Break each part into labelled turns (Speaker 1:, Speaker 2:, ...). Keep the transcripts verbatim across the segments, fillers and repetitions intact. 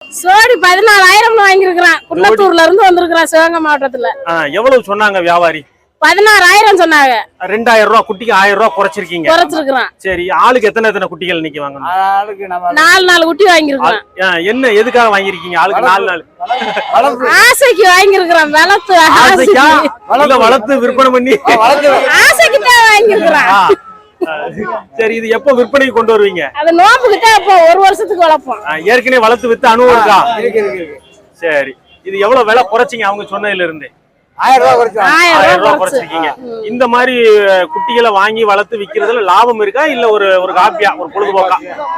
Speaker 1: சோடி பதினாலாயிரம் வாங்கியிருக்கிறான். குன்னத்தூர்ல இருந்து வந்திருக்கிறான் சிவகங்கை மாவட்டத்துல.
Speaker 2: எவ்வளவு சொன்னாங்க வியாபாரி?
Speaker 1: பதினாறாயிரம் சொன்னாங்க.
Speaker 2: ரெண்டாயிரம் ரூபாய் குட்டிக்கு ஆயிரம் ரூபாய் குறைச்சிருக்கீங்க.
Speaker 1: குறைச்சிருக்கிறான்.
Speaker 2: சரி, ஆளுக்கு எத்தனை எத்தனை குட்டிகள் இன்னைக்கு வாங்கணும்?
Speaker 1: நாலு நாலு குட்டி வாங்கியிருக்கிறான்.
Speaker 2: என்ன எதுக்காக வாங்கிருக்கீங்க? ஆளுக்கு நாலு நாலு
Speaker 1: ஆசைக்கு வாங்கியிருக்கிறான். வளர்த்து
Speaker 2: ஆசைக்கா வளர்த்து விற்பனை பண்ணி
Speaker 1: ஆசைக்கு தான் வாங்கியிருக்கிறான்.
Speaker 2: சரி, இது எப்ப விற்பனைக்கு கொண்டு வருவீங்க?
Speaker 1: அது நோம்புக்கிட்ட அப்போ ஒரு வருஷத்துக்கு வளர்ப்போம்.
Speaker 2: ஏற்கனவே வளர்த்து வித்து அனுபவம் இருக்கா? சரி, இது எவ்வளவு விலை குறைச்சிங்க அவங்க சொன்னதுல இருந்து?
Speaker 3: ஆயிரம் ரூபாய்
Speaker 2: ஆயிரம் ரூபாய் குறைச்சிருக்கீங்க. இந்த மாதிரி குட்டிகளை வாங்கி வளர்த்து விக்கிறதுல லாபம் இருக்கா இல்ல ஒரு ஒரு காப்பியா ஒரு பொழுதுபோக்கா?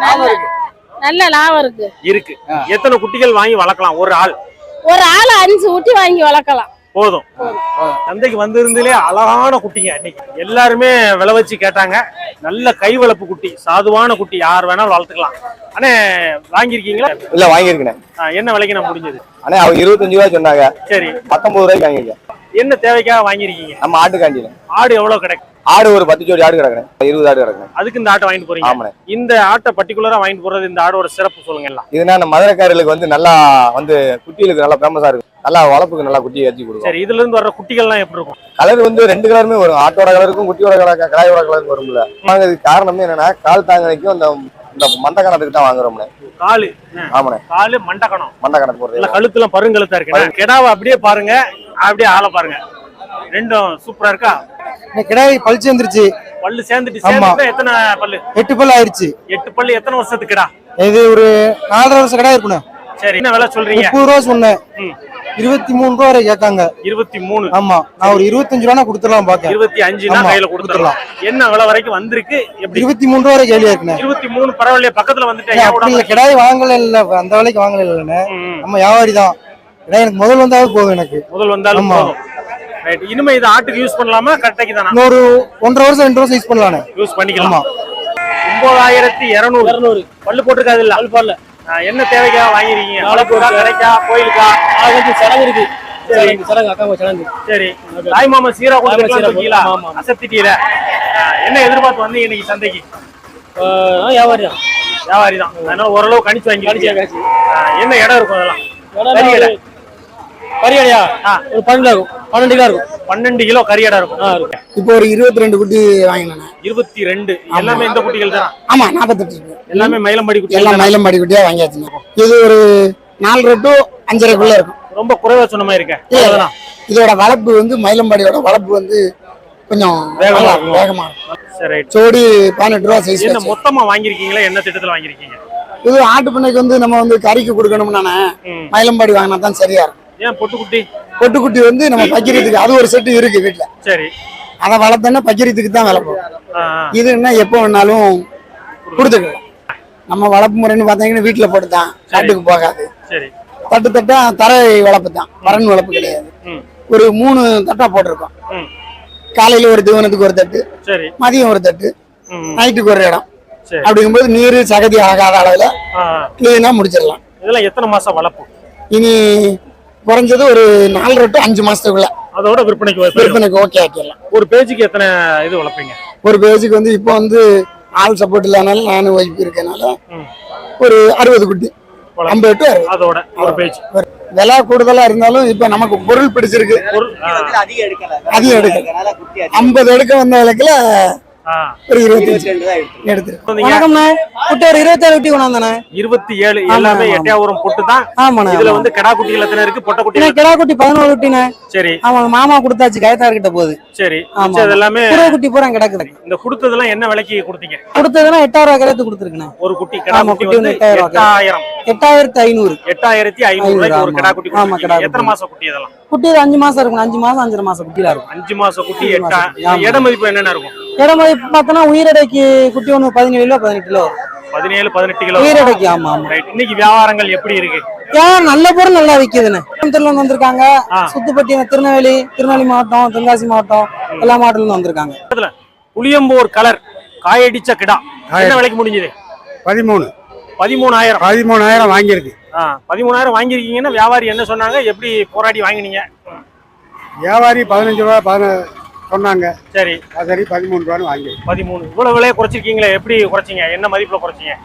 Speaker 1: நல்ல லாபம் இருக்கு.
Speaker 2: இருக்கு. எத்தனை குட்டிகள் வாங்கி வளர்க்கலாம் ஒரு ஆள்?
Speaker 1: ஒரு ஆள் அஞ்சு குட்டி வாங்கி வளர்க்கலாம்.
Speaker 2: போதும். சந்தைக்கு வந்திருந்தே அழகான குட்டிங்க. இன்னைக்கு எல்லாருமே விலை வச்சு கேட்டாங்க. நல்ல கை வளர்ப்பு குட்டி, சாதுவான குட்டி, யார் வேணாலும் வளர்த்துக்கலாம். அண்ணே, வாங்கிருக்கீங்களா?
Speaker 4: இல்ல, வாங்கிருக்கேன்.
Speaker 2: என்ன விலைக்கு நான் முடிஞ்சது?
Speaker 4: அண்ணே, அவங்க இருபத்தஞ்சு ரூபாய் சொன்னாங்க.
Speaker 2: சரி,
Speaker 4: பத்தொன்பது ரூபாய்க்கு வாங்கிருக்கேன்.
Speaker 2: என்ன தேவைக்காக வாங்கிருக்கீங்க?
Speaker 4: நம்ம ஆட்டுக்காண்டியில.
Speaker 2: ஆடு எவ்வளவு கிடைக்கும்?
Speaker 4: ஆடு ஒரு பத்து ஜோடி ஆடு கிடக்குறேன், இருபது ஆடு கிடக்குறேன்.
Speaker 2: அதுக்கு இந்த ஆட்டை வாங்கிட்டு போறீங்க?
Speaker 4: ஆமாண்ணே.
Speaker 2: இந்த ஆட்டை பர்டிகுலரா வாங்கிட்டு போறது, இந்த ஆடோட சிறப்பு சொல்லுங்க எல்லாம்.
Speaker 4: இதுனா நம்ம மதுரைக்காரர்களுக்கு வந்து நல்லா வந்து குட்டிகளுக்கு நல்லா ஃபேமஸா இருக்கும். நல்லா வளர்ப்புக்கு நல்லா குட்டி ஏற்றி கொடுக்கும்.
Speaker 2: சரி, இதுல இருந்து வர்ற குட்டிகள்லாம் எப்படி இருக்கும்?
Speaker 4: கலர் வந்து ரெண்டு கலருமே வரும். ஆட்டோட கலருக்கும் குட்டியோட கலர் கடாயோட கலருக்கும் வரும்ல. வாங்குறதுக்கு காரணமே என்னன்னா கால் தாங்கனைக்கும் அந்த இந்த மண்டை கணத்துக்கு தான் வாங்குறோம்னே.
Speaker 2: காலு.
Speaker 4: ஆமாண்ணே,
Speaker 2: காலு மண்டை கணம்.
Speaker 4: மண்டை கணக்கு போடுறது.
Speaker 2: கழுத்துல பருங்கழுத்தா இருக்கு. கிடாவை அப்படியே பாருங்க, அப்படியே ஆளை பாருங்க. ரெண்டும் சூப்பரா இருக்கா?
Speaker 3: கிடாய் பல் சேர்ந்துருச்சு.
Speaker 2: பல்லு சேர்ந்துட்டு சேர்ந்துட்டு எத்தனை பல்லு?
Speaker 3: எட்டு பல்லு ஆயிருச்சு.
Speaker 2: எட்டு பல்லு எத்தனை வருஷத்துக்கு கிடா?
Speaker 3: இது ஒரு நாலரை வருஷம் கிடா இருக்கணும்.
Speaker 2: சரி, என்ன விலை சொல்றீங்க?
Speaker 3: முப்பது ரூபா சொன்னேன். இருபத்தி மூணு ரூபா வரை கேட்காங்க.
Speaker 2: இருபத்தி மூணு.
Speaker 3: ஆமா, நான் ஒரு இருபத்தஞ்சு ரூபா கொடுத்துடலாம் பாக்க.
Speaker 2: இருபத்தி அஞ்சு கையில கொடுத்துடலாம். என்ன விலை வரைக்கும் வந்திருக்கு?
Speaker 3: இருபத்தி மூணு ரூபா வரை கேள்வியா இருக்குண்ணே.
Speaker 2: இருபத்தி மூணு பரவாயில்லையா? பக்கத்துல வந்துட்டேன்.
Speaker 3: கிடாய் வாங்கல இல்ல, அந்த விலைக்கு வாங்கல இல்லன்னு. நம்ம வியாபாரி தான். கிடாய் எனக்கு முதல் வந்தாலும் போதும். எனக்கு முதல் வந்தாலும் போதும். ரைட். இனிமே இது ஆட்டுக்கு யூஸ் பண்ணலாமா? கட்டைக்கு தானா? ஒரு ஒன்றரை வருஷம் ரெண்டு வருஷம் யூஸ் பண்ணலாம். யூஸ்
Speaker 2: பண்ணிக்கலாம். ஒன்பதாயிரத்தி இருநூறு இருநூறு பல்லு போட்டுருக்காது இல்ல? பல்லு பல்லு. என்ன தேவைக்கா வாங்கிருக்கீங்க? வளர்ப்புக்கா, கடைக்கா, கோயிலுக்கா? சடங்கு இருக்கு. சரி, சடங்கு அக்கா சடங்கு. சரி, தாய் மாமா சீரா கொடுத்துருக்கீங்களா? அசத்திட்டீல. என்ன எதிர்பார்த்து வந்தீங்க இன்னைக்கு சந்தைக்கு? வியாபாரி தான். வியாபாரி தான். அதனால ஓரளவு கணிச்சு வாங்கி. என்ன இடம் இருக்கும் அதெல்லாம்? கரியடையா ஒரு பன்னெண்டு இருக்கும். பன்னெண்டு கிலோ இருக்கும். பன்னெண்டு கிலோ கரியடா இருக்கும்.
Speaker 3: இப்போ ஒரு இருபத்தி ரெண்டு குட்டி வாங்கினேன்.
Speaker 2: இருபத்தி ரெண்டு எல்லாமே இந்த குட்டிகள் தான்?
Speaker 3: ஆமா, நாற்பத்தெட்டு இருக்கு.
Speaker 2: எல்லாமே மயிலம்பாடி குட்டி.
Speaker 3: எல்லாம் மயிலம்பாடி குட்டியா வாங்கியாச்சுங்க. இது ஒரு நாலரை டு அஞ்சரைக்குள்ள இருக்கும்.
Speaker 2: ரொம்ப குறைவா சொன்ன மாதிரி இருக்கேன்.
Speaker 3: இதோட வளர்ப்பு வந்து மயிலம்பாடியோட வளர்ப்பு வந்து கொஞ்சம் வேகமா வேகமா
Speaker 2: சரி.
Speaker 3: சோடி பதினெட்டு ரூபா சைஸ்.
Speaker 2: என்ன மொத்தமா வாங்கிருக்கீங்களா? என்ன திட்டத்துல வாங்கிருக்கீங்க?
Speaker 3: இது ஆட்டு பண்ணைக்கு வந்து நம்ம வந்து கறிக்கு கொடுக்கணும்னா மயிலம்பாடி வாங்கினா தான் சரியா இருக்கும்.
Speaker 2: ஏன் பொட்டுக்குட்டி?
Speaker 3: பொட்டுக்குட்டி வந்து நம்ம பக்கிரத்துக்கு அது ஒரு செட்டு இருக்கு வீட்டுல.
Speaker 2: சரி,
Speaker 3: அதை வளர்த்தோன்னா பக்கிரத்துக்கு தான் வளர்ப்போம். இது என்ன எப்போ வேணாலும் கொடுத்துக்கலாம். நம்ம வளர்ப்பு முறைன்னு பார்த்தீங்கன்னா வீட்டுல போட்டுதான், காட்டுக்கு போகாது.
Speaker 2: சரி,
Speaker 3: தட்டு தட்டா தரை வளர்ப்பு தான், பறன் வளர்ப்பு கிடையாது. ஒரு மூணு தட்டா போட்டிருக்கோம். காலையில ஒரு தீவனத்துக்கு ஒரு தட்டு, சரி, மதியம் ஒரு தட்டு, நைட்டுக்கு ஒரு இடம். அப்படிங்கும்போது நீர் சகதி ஆகாத அளவுல கிளீனா முடிச்சிடலாம்.
Speaker 2: இதெல்லாம் எத்தனை மாசம் வளர்ப்பு?
Speaker 3: இனி குறைஞ்சது ஒரு நாலரை டு அஞ்சு மாசத்துக்குள்ள
Speaker 2: அதோட விற்பனைக்கு
Speaker 3: விற்பனைக்கு ஓகே ஆக்கிடலாம்.
Speaker 2: ஒரு பேஜுக்கு எத்தனை இது வளர்ப்பீங்க?
Speaker 3: ஒரு பேஜுக்கு வந்து இப்போ வந்து ஆள் சப்போர்ட் இல்லாதனால நானும் ஒய்ஃப் இருக்கனால ஒரு அறுபது குட்டி, ஐம்பது டு
Speaker 2: அதோட ஒரு பேஜ்.
Speaker 3: விலை கூடுதலா இருந்தாலும் இப்ப நமக்கு பொருள் பிடிச்சிருக்கு. அதிகம் எடுக்கல, ஐம்பது எடுக்க வந்த விலைக்குல ஒரு இருபத்தி
Speaker 2: ஏழு எல்லாமே எட்டையாவூரம் பொட்டு தான். இதுல வந்து கிடா குட்டிகள் எத்தனை இருக்கு? பொட்டை குட்டி
Speaker 3: கிடா குட்டி பதினோரு குட்டினே.
Speaker 2: சரி,
Speaker 3: அவங்க மாமா கொடுத்தாச்சு கயத்தார் கிட்ட போகுது.
Speaker 2: சரி, எல்லாமே
Speaker 3: குட்டி பூரா கிடக்குது.
Speaker 2: இந்த கொடுத்ததெல்லாம் என்ன விலைக்கு கொடுத்தீங்க?
Speaker 3: கொடுத்ததெல்லாம் எட்டாயிரம் ரூபாய் கிடத்து கொடுத்துருக்கேன். ஒரு குட்டி கிடா குட்டி வந்து எட்டாயிரம் எட்டாயிரத்தி ஐநூறு எட்டாயிரத்தி ஐநூறு ஒரு கிடா குட்டி. ஆமா, கிடா. எத்தனை மாசம் குட்டி? இதெல்லாம் குட்டி அஞ்சு மாசம் இருக்கும். அஞ்சு மாசம் அஞ்சரை மாசம் குட்டியா இருக்கும்.
Speaker 2: அஞ்சு மாசம் குட்டி. எட்டா இட மதிப்பு என்னென்ன இருக்கும்?
Speaker 3: இட மதிப்பு பார்த்தோன்னா உயிரடைக்கு குட்டி ஒண்ணு பதினேழு கிலோ பதினெட்டு கிலோ
Speaker 2: பதினேழு பதினெட்டு கிலோ
Speaker 3: உயிரடைக்கு. ஆமா ஆமா.
Speaker 2: இன்னைக்கு வியாபாரங்கள் எப்படி இருக்கு?
Speaker 3: நல்ல பொருள் நல்லா விக்குதுன்னு திருநெல்வேலி வந்திருக்காங்க. சுத்துப்பட்டி, திருநெல்வேலி திருநெல்வேலி மாவட்டம், தென்காசி மாவட்டம், எல்லா மாவட்டத்துல இருந்து வந்திருக்காங்க.
Speaker 2: புளியம்பூர் கலர் காயடிச்ச கிடா என்ன விலைக்கு முடிஞ்சது?
Speaker 3: பதிமூணு
Speaker 2: பதிமூணாயிரம்
Speaker 3: பதிமூணாயிரம் வாங்கியிருக்கு.
Speaker 2: பதிமூணாயிரம் வாங்கிருக்கீங்கன்னா வியாபாரி என்ன சொன்னாங்க? எப்படி போராடி வாங்கினீங்க?
Speaker 3: வியாபாரி பதினஞ்சு ரூபா பதினஞ்சு சொன்னாங்க.
Speaker 2: சரி,
Speaker 3: சரி, பதிமூணு ரூபான்னு வாங்கி.
Speaker 2: பதிமூணு. இவ்வளவு விலையை குறைச்சிருக்கீங்களே, எப்படி குறைச்சிங்க? என்ன மதிப்புல குறைச்சிங்க?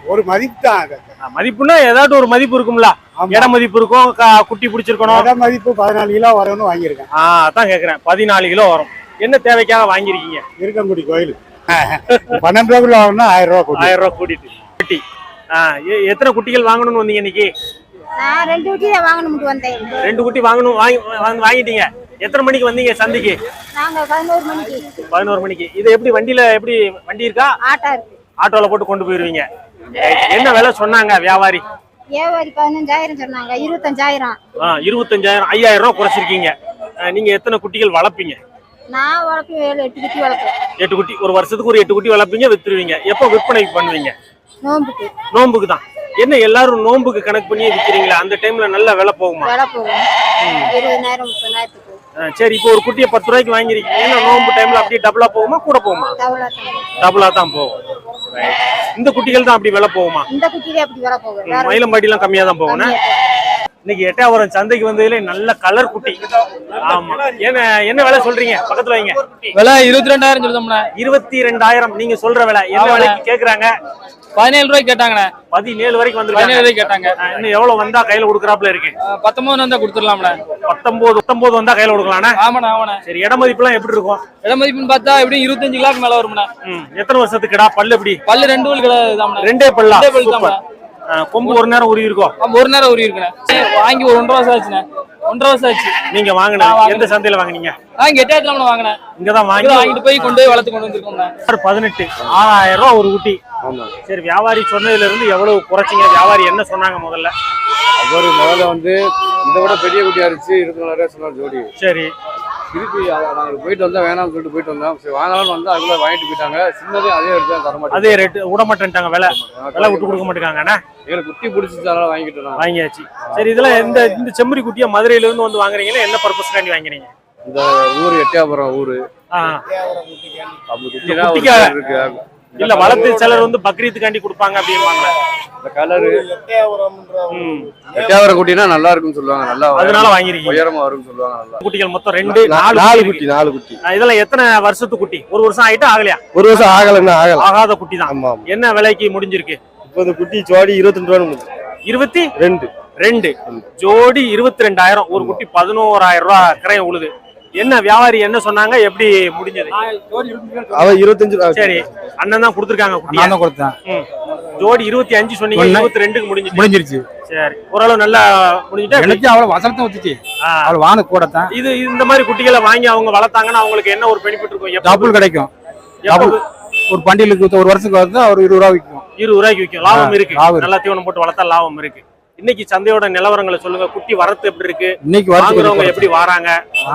Speaker 5: ஒரு மதிப்பு தான் அது.
Speaker 2: ஆ, மதிப்புன்னா ஏதாட்டும் ஒரு மதிப்பு இருக்கும்ல,
Speaker 5: ஆமா.
Speaker 2: இட மதிப்பு இருக்கும், க- குட்டி பிடிச்சிருக்கணும்.
Speaker 5: இட மதிப்பு பதினாலு கிலோ வரும்னு வாங்கியிருக்கேன்.
Speaker 2: ஆ அதான் கேக்குறேன், பதினாலு கிலோ வரும். என்ன தேவைக்காக வாங்கியிருக்கீங்க?
Speaker 5: இருக்கங்குடி கோயில் பன்னெண்டு ரூபாய்க்குள்ள வாங்கினா ஆயிரம் ரூபாய் கூட்டி.
Speaker 2: ஆயிரம் ரூபாய் கூட்டிட்டு குட்டி. ஆ, எ- எத்தனை குட்டிகள் வாங்கணும்னு வந்தீங்க இன்னைக்கு?
Speaker 6: நான் ரெண்டு குட்டி தான் வாங்கணும்னு வந்தேன்.
Speaker 2: ரெண்டு குட்டி வாங்கணும், வாங்கி வாங்க- வாங்கிட்டீங்க. எத்தனை மணிக்கு வந்தீங்க சந்தைக்கு?
Speaker 6: நாங்க பதினோரு மணிக்கு
Speaker 2: பதினோரு மணிக்கு. இது எப்படி வண்டியில, எப்படி வண்டி இருக்கா?
Speaker 6: ஆட்டோ இருக்கு.
Speaker 2: ஆட்டோல போட்டு கொண்டு போயிருவீங்க. என்ன விலை சொன்னாங்க வியாபாரி?
Speaker 6: வியாபாரி பதினஞ்சாயிரம் சொன்னாங்க. இருபத்தஞ்சாயிரம்.
Speaker 2: ஆ, இருபத்தஞ்சாயிரம், ஐயாயிரம் ரூபாய் குறைச்சிருக்கீங்க. ஆ, நீங்க எத்தனை குட்டிகள் வளர்ப்பீங்க?
Speaker 6: நான் வளர்ப்பு ஏழு எட்டு குட்டி வளர்ப்பேன்.
Speaker 2: எட்டு குட்டி. ஒரு வருஷத்துக்கு ஒரு எட்டு குட்டி வளர்ப்பீங்க, வித்துருவீங்க. எப்போ விற்பனைக்கு பண்ணுவீங்க?
Speaker 6: நோம்புக்கு.
Speaker 2: நோம்புக்கு தான். என்ன எல்லாரும் நோம்புக்கு கணக்கு பண்ணி விற்கிறீங்களா? அந்த டைம்ல நல்ல விலை போகுமா?
Speaker 6: விலை போகும். இருபதாயிரம் முப்பதாயிரத்துக்கு.
Speaker 2: ஆ, சரி, இப்போ ஒரு குட்டியை பத்து ரூபாய்க்கு வாங்கிருக்கீங்க. ஏன்னா நோம்பு டைம்ல அப்படியே டபுளா போகுமா, கூட போகுமா?
Speaker 6: தவளை தான்.
Speaker 2: டபுளா தான் போகும். Right. இந்த குட்டிகள் தான் அப்படி விலை போகுமா?
Speaker 6: இந்த குட்டிலே அப்படி விலை போகும். வேற
Speaker 2: மயிலம்பாடி எல்லாம் கம்மியா தான் போகும்.
Speaker 6: கம்மியா போகும்.
Speaker 2: இன்னைக்கு எட்டாவரம் சந்தைக்கு வந்ததுல நல்ல கலர் குட்டி. ஆமா. என்ன என்ன விலை சொல்றீங்க? பக்கத்துல வைங்க.
Speaker 7: விலை இருபத்தி ரெண்டாயிரம் சொல்லுதோம்ண்ணே.
Speaker 2: இருபத்தி ரெண்டாயிரம் நீங்க சொல்ற விலை. என்ன
Speaker 7: ஆமாண்ணே.
Speaker 2: விலைக்கு கேக்குறாங்க?
Speaker 7: பதினேழு ரூபாய்க்கு கேட்டாங்கண்ணே.
Speaker 2: பதினேழு வரைக்கும்
Speaker 7: பதினேழு
Speaker 2: வந்துருக்காங்க.
Speaker 7: ரூபாய்க்கு கேட்டாங்க.
Speaker 2: ஆ, இன்னும் எவ்வளவு வந்தா கையில கொடுக்குறாப்புல இருக்கு?
Speaker 7: அஹ் பத்தொன்பது வந்தா கொடுத்துடலாம்ண்ணே.
Speaker 2: பத்தொன்பது பத்தொன்பது வந்தா கையில கொடுக்கலாம்னா?
Speaker 7: ஆமாண்ணே ஆமாண்ணே.
Speaker 2: சரி, இட மதிப்புலாம் எப்படி இருக்கும்?
Speaker 7: இட மதிப்புன்னு பார்த்தா எப்படியும் இருபத்தஞ்சு கிலோக்கு மேல வரும்ண்ணே.
Speaker 2: ம், எத்தனை வருஷத்துக்கு கிடா? பல்லு எப்படி?
Speaker 7: பல்லு ரெண்டு பல் கிடையாதுதாம்ண்ணே.
Speaker 2: ரெண்டே பல்லா?
Speaker 7: ரெண்டே பல்
Speaker 2: சூப்பர். ஆ, கொம்பு ஒரு நேரம் உருவி இருக்கும்.
Speaker 7: ஆமா, ஒரு நேரம் உரி இருக்குண்ணே. வாங்கி ஒரு ஒன்றரை வருஷம் ஆச்சுண்ணே. ஒன்றரை வருஷம் ஆச்சு.
Speaker 2: நீங்க வாங்கின எந்த சந்தையில வாங்குனீங்க?
Speaker 7: நான் இங்க எட்டாயிரத்துல வாங்கினேன்.
Speaker 2: இங்கதான் வாங்கி
Speaker 7: இங்க வாங்கிட்டு போய் கொண்டு போய் வளர்த்து கொண்டு வந்திருக்கோம்ண்ணே.
Speaker 2: பதினெட்டு ஆறாயிரம் ரூபாய் ஒரு குட்டி. சரி, வியாபாரி சொன்னதுல இருந்து எவ்வளவு குறைச்சிங்க? வியாபாரி என்ன சொன்னாங்க முதல்ல?
Speaker 8: அவர் முதல்ல வந்து இதை விட பெரிய குட்டியா இருந்துச்சு, இருபத்தி நாலாயிரம் சொன்னார் ஜோடி.
Speaker 2: சரி,
Speaker 8: திருப்பி நாங்கள் போயிட்டு வந்தோம், வேணாம்னு சொல்லிட்டு போயிட்டு வந்தோம். சரி வாங்கலாம்னு வந்து அதுக்குள்ள வாங்கிட்டு போயிட்டாங்க. சின்னதே அதே எடுத்து தர மாட்டேன்.
Speaker 2: அதே ரேட்டு விட மாட்டேன்ட்டாங்க. விலை விலை விட்டு கொடுக்க மாட்டேங்காங்கண்ணா.
Speaker 8: எங்களுக்கு குட்டி பிடிச்சிச்சு, அதனால வாங்கிட்டு நான்
Speaker 2: வாங்கியாச்சு. சரி, இதெல்லாம் இந்த இந்த செம்மறி குட்டியா மதுரையில இருந்து வந்து வாங்குறீங்கன்னா என்ன பர்பஸ்க்காண்டி வாங்குறீங்க?
Speaker 8: இந்த ஊர் எட்டியாபுரம் ஊரு
Speaker 2: ஆ,
Speaker 8: அப்படி குட்டினா ஒரு
Speaker 2: குட்டிக்கா?
Speaker 8: பேர் இருக்கு.
Speaker 2: இல்ல, வளர்த்து சிலர் வந்து பக்ரீத்துக்காண்டி கொடுப்பாங்க அப்படின்னு.
Speaker 8: இந்த கலரு
Speaker 2: ம்,
Speaker 8: எட்டியாபுரம் குட்டினா நல்லா இருக்குன்னு சொல்லுவாங்க. நல்லா
Speaker 2: அதனால வாங்கிருக்கீங்க.
Speaker 8: உயரமா வரும்னு சொல்லுவாங்க. நல்லா
Speaker 2: குட்டிகள் மொத்தம் ரெண்டு நாலு
Speaker 4: நாலு
Speaker 2: குட்டி
Speaker 4: குட்டி நாலு குட்டி
Speaker 2: இருக்கு. இதெல்லாம் எத்தனை வருஷத்து குட்டி? ஒரு வருஷம் ஆயிட்டா ஆகலையா?
Speaker 4: ஒரு வருஷம் ஆகலன்னா ஆகல.
Speaker 2: ஆகாத குட்டி தான்.
Speaker 4: ஆமா.
Speaker 2: என்ன விலைக்கு முடிஞ்சிருக்கு?
Speaker 4: இப்போ இந்த குட்டி ஜோடி இருபத்தி ரெண்டு ரூபா
Speaker 2: இருபத்தி
Speaker 4: ரெண்டு
Speaker 2: ரெண்டு ஜோடி இருபத்தி ரெண்டாயிரம். ஒரு குட்டி பதினோராயிரம் ரூபாய் கிரையம் உழுது. என்ன வியாபாரி என்ன சொன்னாங்க? எப்படி முடிஞ்சது?
Speaker 4: அவன் இருபத்தஞ்சு ரூபா.
Speaker 2: சரி, அண்ணன் தான் கொடுத்துருக்காங்க குட்டி.
Speaker 5: நான் தான் கொடுத்தேன்.
Speaker 2: ம். ஜோடி இருபத்தி அஞ்சு சொன்னீங்க, இருபத்தி ரெண்டுக்கு முடிஞ்சிச்சு.
Speaker 5: முடிஞ்சிருச்சு.
Speaker 2: சரி, ஓரளவு நல்லா முடிஞ்சுட்டா.
Speaker 5: எனக்கு அவ்வளவு வசனத்தை ஊத்துச்சு.
Speaker 2: ஆ,
Speaker 5: அவ்வளவு வான கூட தான்
Speaker 2: இது இந்த மாதிரி குட்டிகளை வாங்கி அவங்க வளர்த்தாங்கன்னா அவங்களுக்கு என்ன ஒரு பெனிஃபிட் இருக்கும்? எப்ப-
Speaker 5: டபுள் கிடைக்கும்.
Speaker 2: எப்ப
Speaker 5: டபுள் ஒரு பண்டிலுக்கு ஒரு வருஷத்துக்கு வந்து ஒரு இருபது ரூபா விற்கும்.
Speaker 2: இருபது ரூபாய்க்கு விற்கும். லாபம் இருக்கு.
Speaker 5: லாபம் இருக்கு.
Speaker 2: நல்லா தீவனம் போட்டு வளர்த்தா லாபம் இருக்கு. இன்னைக்கு சந்தையோட நிலவரங்களை சொல்லுங்க. குட்டி வரத்து எப்படி இருக்கு?
Speaker 5: இன்னைக்கு
Speaker 2: வாங்குறவங்க
Speaker 5: வரத்து
Speaker 2: எப்படி வராங்க?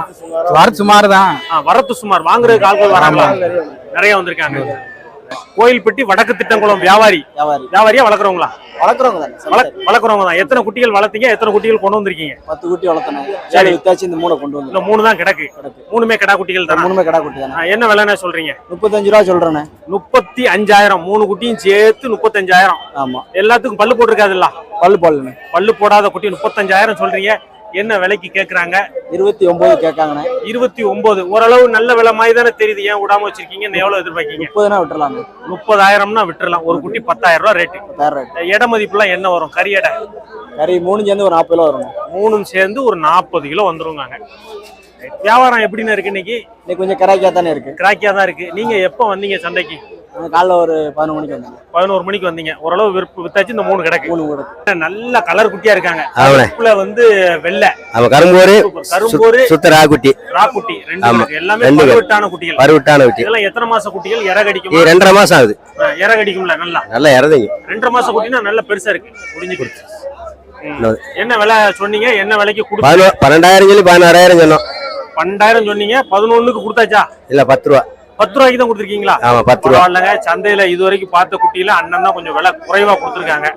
Speaker 5: வரத்து சுமார் தான்.
Speaker 2: ஆ, வரத்து சுமார். வாங்குறதுக்கு ஆட்கள் வராங்களா? நிறைய வந்திருக்காங்க. கோயில்பட்டி வடக்கு திட்டங்குளம் வியாபாரி. வியாபாரியா வளர்க்குறவங்களா?
Speaker 9: வளர்க்குறவங்க தானே சார்.
Speaker 2: வளர்க்- வளர்க்குறவங்க தான். எத்தனை குட்டிகள் வளர்த்தீங்க? எத்தனை குட்டிகள் கொண்டு வந்திருக்கீங்க?
Speaker 9: பத்து குட்டி வளர்த்தணும்.
Speaker 2: சரி.
Speaker 9: சரி வித்தாச்சு இந்த மூணை கொண்டு வந்து
Speaker 2: இல்ல, மூணு தான் கிடக்கு. மூணுமே கிடா குட்டிகள் தான்.
Speaker 9: மூணுமே கடா குட்டி தானே.
Speaker 2: என்ன விலைன்னு சொல்றீங்க?
Speaker 9: முப்பத்தஞ்சு ரூபா சொல்றேனே.
Speaker 2: முப்பத்தி அஞ்சாயிரம். மூணு குட்டியும் சேர்த்து முப்பத்தஞ்சாயிரம்.
Speaker 9: ஆமா,
Speaker 2: எல்லாத்துக்கும் பல்லு போட்டிருக்காதுல்ல?
Speaker 9: பல்லு பல்லுண்ணே.
Speaker 2: பல்லு போடாத குட்டி முப்பத்தஞ்சாயிரம் சொல்றீங்க. என்ன விலைக்கு கேக்குறாங்க?
Speaker 9: இருபத்தி ஒன்பது கேட்காங்கண்ணே.
Speaker 2: இருபத்தி ஒன்பது. ஓரளவு நல்ல விலை மாதிரி தானே தெரியுது. ஏன் விடாம வச்சிருக்கீங்க? இன்னும் எவ்வளவு எதிர்பார்க்கீங்க?
Speaker 9: முப்பதுனா விட்டுறலாங்க.
Speaker 2: முப்பதாயிரம்னா விட்டுறலாம். ஒரு குட்டி பத்தாயிரம் ரூபாய் ரேட்டு.
Speaker 9: பத்தாயிரம் ரேட்.
Speaker 2: இட மதிப்புலாம் என்ன வரும்? கறி எடை
Speaker 9: கறி மூணு சேர்ந்து ஒரு நாற்பது ரூபா வரும்.
Speaker 2: மூணும் சேர்ந்து ஒரு நாற்பது கிலோ வந்துருவாங்க. வியாபாரம் எப்படின்னு இருக்கு இன்னைக்கு?
Speaker 9: இன்னைக்கு கொஞ்சம் கராக்கியா தானே இருக்கு.
Speaker 2: கிராக்கியா தான் இருக்கு. நீங்க எப்ப வந்தீங்க சந்தைக்கு?
Speaker 9: நாங்க காலைல ஒரு பதினொரு மணிக்கு வந்தாங்க.
Speaker 2: பதினோரு மணிக்கு வந்தீங்க. ஓரளவு விற்பு வித்தாச்சு. இந்த மூணு கிடக்கு.
Speaker 9: மூணு கூட
Speaker 2: நல்ல கலர் குட்டியா இருக்காங்க.
Speaker 4: ஆமாண்ணே.
Speaker 2: கருப்புல வந்து வெள்ளை,
Speaker 4: அவன் கரும்போரு
Speaker 2: கரும்போரு,
Speaker 4: சுத்த ராகுட்டி
Speaker 2: ராக்குட்டி ரெண்டு
Speaker 4: ஆமா.
Speaker 2: இருக்கு. எல்லாமே
Speaker 4: ரெண்டு இருக்கு.
Speaker 2: பருவட்டான குட்டிகள்.
Speaker 4: பருவட்டான குட்டி.
Speaker 2: இதெல்லாம் எத்தனை மாச குட்டிகள்? இற கடிக்குமா?
Speaker 4: இது ரெண்டரை மாசம் ஆகுது.
Speaker 2: ஆ, இற கடிக்கும்ல நல்லா?
Speaker 4: நல்லா இறதைங்க.
Speaker 2: ரெண்டரை மாச குட்டினா நல்ல பெருசா இருக்கு. முடிஞ்சு
Speaker 4: இன்னொரு.
Speaker 2: என்ன விலை சொன்னீங்க? என்ன விலைக்கு கொடுத்து?
Speaker 4: பதினோ பன்னெண்டாயிரம் சொல்லி பதினாறாயிரம் சொன்னோம்.
Speaker 2: பன்னெண்டாயிரம் சொன்னீங்க. பதினொன்னுக்கு கொடுத்தாச்சா?
Speaker 4: இல்ல பத்து ரூபா.
Speaker 2: பத்து ரூபாய்க்கு தான் கொடுத்துருக்கீங்களா?
Speaker 4: ஆமா, பத்து ரூபா.
Speaker 2: பரவாயில்லைங்க. சந்தையில இது வரைக்கும் பார்த்த குட்டியில அண்ணன் தான் கொஞ்சம் விலை குறைவா கொடுத்துருக்காங்க.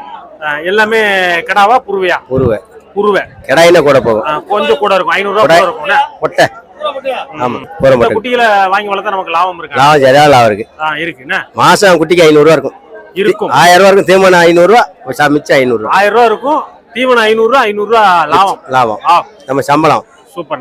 Speaker 2: ஆ, எல்லாமே கிடாவா புருவையா?
Speaker 4: உருவை
Speaker 2: புருவை.
Speaker 4: கிடாயினா கூட போகும்.
Speaker 2: ஆ, கொஞ்சம் கூட இருக்கும். ஐநூறு ரூபா கூட இருக்கும்னா?
Speaker 4: பொட்டை. ஆமா, போற
Speaker 2: இந்த
Speaker 4: மாட்டேன்.
Speaker 2: குட்டிகளை வாங்கி வளர்த்தா நமக்கு லாபம் இருக்கா?
Speaker 4: லாபம் சரியா லாபம் இருக்கு.
Speaker 2: ஆ, இருக்குண்ணா.
Speaker 4: மாசம் குட்டிக்கு ஐநூறு ரூபா இருக்கும்.
Speaker 2: இருக்கும்.
Speaker 4: ஆயிரம் ரூபா இருக்கும். தீவனம் ஐநூறு ரூபா, மிச்சம் ஐநூறு ரூபா
Speaker 2: ஆயிரம் ரூபா இருக்கும். தீவனம் ஐநூறு ரூபா, ஐநூறு ரூபா லாபம்.
Speaker 4: லாபம்.
Speaker 2: ஆ,
Speaker 4: நம்ம சம்பளம்.
Speaker 2: சூப்பர்ண்ணே.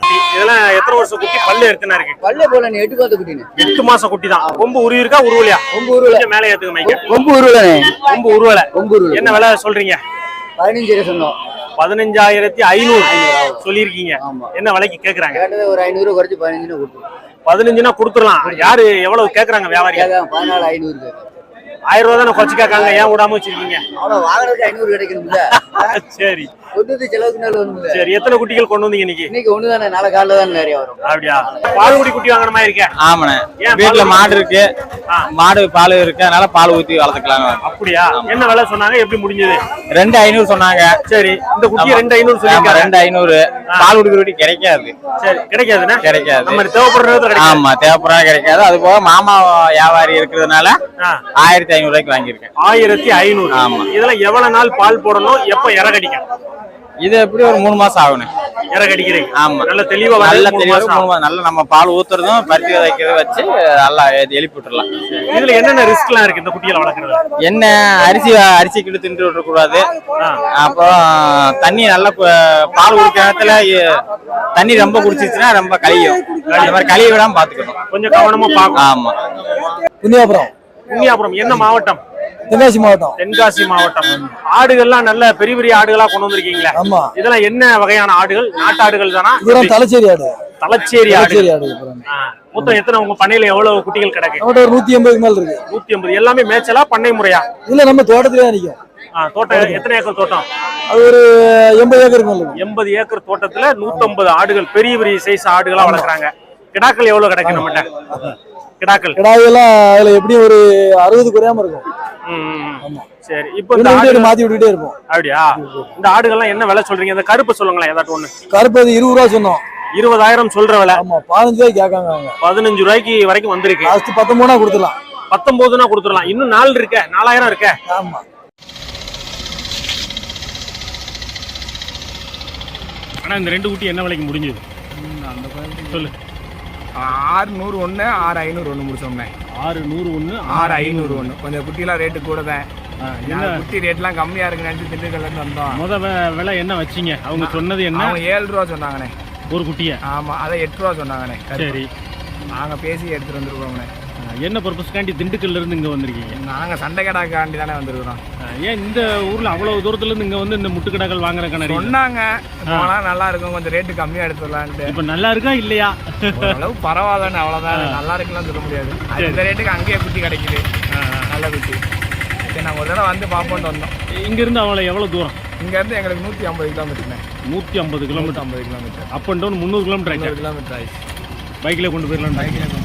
Speaker 2: குட்டி இதெல்லாம் எத்தனை வருஷம் குட்டி பல்லு எத்தனை இருக்கு
Speaker 9: பல்லே போல நீ எட்டு பார்த்து குட்டினு
Speaker 2: எட்டு மாசம் குட்டி தான் கொம்பு உருவி இருக்கா உருவலையா
Speaker 9: கொம்பு உருவல
Speaker 2: கொஞ்சம் மேலே ஏத்துக்க மைக்க
Speaker 9: கொம்பு உருவலனே
Speaker 2: கொம்பு உருவல
Speaker 9: கொம்பு உருவல
Speaker 2: என்ன விலை சொல்றீங்க
Speaker 9: பதினஞ்சு சொன்னோம்
Speaker 2: பதினஞ்சாயிரத்தி ஐநூறு சொல்லியிருக்கீங்க
Speaker 9: ஆமா.
Speaker 2: என்ன விலைக்கு கேக்குறாங்க
Speaker 9: கேட்டது ஒரு ஐநூறு குறைச்சு பதினஞ்சுன்னு கொடுத்து
Speaker 2: பதினஞ்சுனா கொடுத்துடலாம் யாரு எவ்வளவு கேக்குறாங்க வியாபாரி
Speaker 9: பதினாலு ஐநூறு
Speaker 2: ஆயிரம் ரூபா தானே குறைச்சு கேட்காங்க ஏன் விடாம வச்சிருக்கீங்க
Speaker 9: அவ்வளவு வாங்கினதுக்கு ஐநூறு கிடைக்கணும்ல
Speaker 2: சரி
Speaker 9: கொண்டு செலவுக்கு நாள் வந்து
Speaker 2: சரி எத்தனை குட்டிகள் கொண்டு வந்தீங்க இன்னைக்கு
Speaker 9: இன்னைக்கு ஒண்ணு தானே நாளை காலைல தான் நிறைய வரும்
Speaker 2: அப்படியா பால்குடி குட்டி வாங்குற மாதிரி இருக்க
Speaker 10: ஆமாண்ணே
Speaker 2: ஏன்
Speaker 10: வீட்டுல
Speaker 2: பால்
Speaker 10: மாடு இருக்கு
Speaker 2: ஆ.
Speaker 10: மாடு பால் இருக்கு அதனால பால் ஊத்தி வளர்த்துக்கலாம்
Speaker 2: அப்படியா என்ன விலை சொன்னாங்க எப்படி முடிஞ்சது
Speaker 10: ரெண்டு ஐநூறு சொன்னாங்க
Speaker 2: சரி இந்த குட்டி
Speaker 10: ஆமா.
Speaker 2: ரெண்டு ஐநூறு
Speaker 10: ஆமா,
Speaker 2: சொல்லிருக்காங்க
Speaker 10: ரெண்டு ஐநூறு பால் குடிக்கிற குட்டி கிடைக்காது
Speaker 2: சரி கிடைக்காதுண்ணா
Speaker 10: கிடைக்காது
Speaker 2: நம்ம தேவைப்படுற நேரத்துல கிடைக்காது
Speaker 10: ஆமா தேவைப்படுறா கிடைக்காது அது போக மாமா வியாபாரி இருக்கிறதுனால
Speaker 2: ஆ.
Speaker 10: ஆயிரத்தி ஐநூறு ரூபாய்க்கு வாங்கியிருக்கேன்
Speaker 2: ஆயிரத்தி ஐநூறு
Speaker 10: ஆமா.
Speaker 2: இதெல்லாம் எவ்வளவு நாள் பால் போடணும் எப்ப இறகடிக்கும்
Speaker 10: இது எப்படி ஒரு மூணு மாசம் ஆகணும்
Speaker 2: இறகடிக்கிறீங்க
Speaker 10: ஆமா
Speaker 2: நல்ல தெளிவா
Speaker 10: நல்ல
Speaker 2: வரது மூணு
Speaker 10: தெளிவாக
Speaker 2: மாசம்
Speaker 10: மூணு மாசம் நல்லா நம்ம பால் ஊத்துறதும் பருத்தி விதைக்கிறத வச்சு நல்லா எழுப்பி விட்டுறலாம்
Speaker 2: இதுல என்னென்ன ரிஸ்க் எல்லாம் இருக்கு இந்த குட்டிகளை வளர்க்கறது
Speaker 10: என்ன அரிசி அரிசி கிட்ட தின்று விட்டுறக்கூடாது அப்புறம் தண்ணி நல்லா கு- பால் குடிக்கிற நேரத்துல எ- தண்ணி ரொம்ப குடிச்சிச்சுன்னா ரொம்ப கழியும் அந்த மாதிரி கழிய விடாம பாத்துக்கணும்
Speaker 2: கொஞ்சம் கவனமா பார்க்கணும்
Speaker 10: ஆமா
Speaker 3: குந்தியாபுரம்
Speaker 2: குன்னியாபுரம் என்ன மாவட்டம்
Speaker 3: தென்காசி மாவட்டம்
Speaker 2: தென்காசி மாவட்டம் ஆடுகள்லாம் நல்ல பெரிய பெரிய ஆடுகளா கொண்டு வந்திருக்கீங்களா
Speaker 3: ஆமா
Speaker 2: இதெல்லாம் என்ன வகையான ஆடுகள் நாட்டாடுகள் தானா
Speaker 3: இதெல்லாம் தலைச்சேரி ஆடு
Speaker 2: தலச்சேரி ஆடு
Speaker 3: தலைச்சேரி ஆடு அப்புறம்.
Speaker 2: ஆ. மொத்தம் எத்தனை உங்க பண்ணையில எவ்வளவு குட்டிகள் கிடக்கு
Speaker 3: நம்மகிட்ட ஒரு நூத்தி எண்பதுக்கு மேல இருக்கு
Speaker 2: நூத்தி ஐம்பது எல்லாமே மேய்ச்சலா பண்ணை முறையா
Speaker 3: இல்ல நம்ம தோட்டத்திலே தான் நிக்கும்
Speaker 2: ஆ, தோட்டம் எத்தனை ஏக்கர் தோட்டம்
Speaker 3: அது ஒரு எண்பது ஏக்கருக்கு மேல இருக்கு
Speaker 2: எண்பது ஏக்கர் தோட்டத்துல நூத்தம்பது ஆடுகள் பெரிய பெரிய சைஸ் ஆடுகளா வளர்க்குறாங்க கிடாக்கள் எவ்வளவு கிடைக்கும் நம்மகிட்ட கிடாக்கள்
Speaker 3: கிடாயெல்லாம் அதுல எப்படியும் ஒரு அறுபது குறையாம இருக்கும்
Speaker 2: ம், ம், ம்.
Speaker 3: ஆமா.
Speaker 2: சரி இப்போ இந்த
Speaker 3: இன்னும்
Speaker 2: ஆடு
Speaker 3: வீட்டுக்கு மாத்தி விட்டுட்டே இருப்போம்
Speaker 2: அப்படியா இந்த ஆடுகள்லாம் என்ன விலை சொல்றீங்க இந்த கருப்பு சொல்லுங்களேன் ஏதாட்டும் ஒண்ணு
Speaker 3: கருப்பு அது இருபது ரூபா சொன்னோம்
Speaker 2: இருபதாயிரம் சொல்ற விலை
Speaker 3: ஆமா பதினஞ்சு ரூபாய்க்கு கேட்காங்க அவங்க
Speaker 2: பதினஞ்சு ரூபாய்க்கு வரைக்கும் வந்திருக்கு
Speaker 3: லாஸ்ட் பத்தொன்பதுனா கொடுத்துடலாம்
Speaker 2: பத்தொன்பதுனா கொடுத்துடலாம் இன்னும் நாள் இருக்க நாலாயிரம் இருக்க
Speaker 3: ஆமா
Speaker 2: ஆனா இந்த ரெண்டு குட்டி என்ன விலைக்கு முடிஞ்சது சொல்லு
Speaker 5: ஆறு நூறு ஒன்று ஆறு ஐநூறு ஒன்று முடிச்சோம்னே
Speaker 2: ஆறு நூறு ஒண்ணு
Speaker 5: ஆறு ஐநூறு ஒன்று கொஞ்சம் குட்டிலாம் ரேட்டு கூட தான்
Speaker 2: என்ன
Speaker 5: குட்டி ரேட்லாம் கம்மியாக இருக்குன்னு நினச்சி திண்டுக்கல்லேருந்து வந்தோம்
Speaker 2: முத வே- விலை என்ன வச்சீங்க அவங்க சொன்னது என்ன
Speaker 5: அவங்க ஏழு ரூபா சொன்னாங்கண்ணே
Speaker 2: ஒரு குட்டிய
Speaker 5: ஆமாம் அதை எட்டு ரூபா சொன்னாங்கண்ணே
Speaker 2: சரி
Speaker 5: நாங்கள் பேசி எடுத்துகிட்டு வந்துருக்கோம்ண்ணே
Speaker 2: என்ன பர்பஸ்க்காண்டி திண்டுக்கல்ல இருந்து இங்க வந்திருக்கீங்க
Speaker 5: நாங்கள் சண்டை கடாக்காண்டி தானே வந்திருக்கிறோம்
Speaker 2: ஏன் இந்த ஊர்ல அவ்வளவு தூரத்துல இருந்து இங்க வந்து இந்த முட்டுக்கடாக்கள் வாங்குறதுக்கான reason?
Speaker 5: சொன்னாங்க போனால் நல்லா இருக்கும் கொஞ்சம் ரேட்டு கம்மியாக எடுத்துடலான்ட்டு
Speaker 2: இப்ப நல்லா இருக்கா இல்லையா
Speaker 5: அளவு பரவாயில்லன்னு அவ்வளோதான் நல்லா இருக்குன்னு சொல்ல முடியாது அது இந்த ரேட்டுக்கு அங்கேயே குட்டி கிடைக்குது நல்ல குட்டி சரி நாங்கள் ஒரு தடவை வந்து பார்ப்போன்ட்டு வந்தோம்
Speaker 2: இங்க இருந்து அவளை எவ்வளவு தூரம்
Speaker 5: இங்கேருந்து எங்களுக்கு நூற்றி ஐம்பது கிலோமீட்டர்ண்ணே
Speaker 2: நூத்தி ஐம்பது கிலோமீட்டர்
Speaker 5: ஐம்பது கிலோமீட்டர்
Speaker 2: அப் அண்ட் டவுன் முந்நூறு கிலோமீட்டர் ஆயிடுச்சு
Speaker 5: கிலோமீட்டர் ஆயிடுச்சு
Speaker 2: பைக்ல கொண்டு போயிடலாம்
Speaker 5: பைக்கில்